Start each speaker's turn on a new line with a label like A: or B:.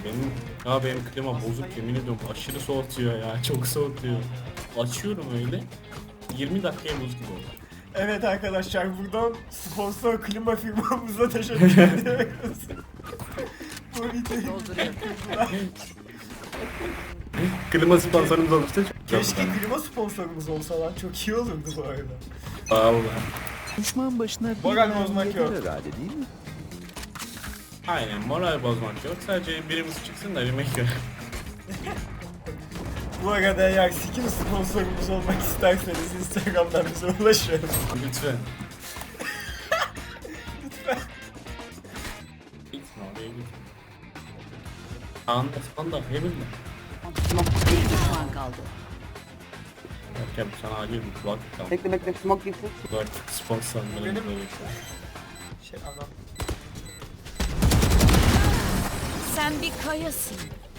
A: Benim klima bozuk, yemin ediyorum aşırı soğutuyor ya, çok soğutuyor. Açıyorum öyle 20 dakikaya buz gibi oldu.
B: Evet arkadaşlar, buradan sponsor klima firmamıza teşekkür ediyoruz. Bu videoyu
A: Klima sponsorumuz olmuştu.
B: keşke klima sponsorumuz olsa lan, çok iyi olurdu bu arada.
A: Vallahi.
C: Düşman başına bir
B: Moral
C: mermi
B: bozmak
C: yeter
B: yok.
C: herhalde değil mi?
A: Aynen, moral bozmak yok. Sadece birimiz çıksın da yemek yok.
B: Bu arada eğer Sikim sponsorumuz olmak isterseniz Instagram'dan bize ulaşın.
A: Lütfen.
B: Lütfen.
A: Gitme oraya gitme. Anda heaven mi?
D: Bir düşman kaldı.
A: Erken sana acil bir kulaklık al.
E: Bekle smoke girsin.
A: Kulaklık sponsorlarımız
B: Benim-
A: böyle.
B: Şey anam.
D: Sen bir kayasın.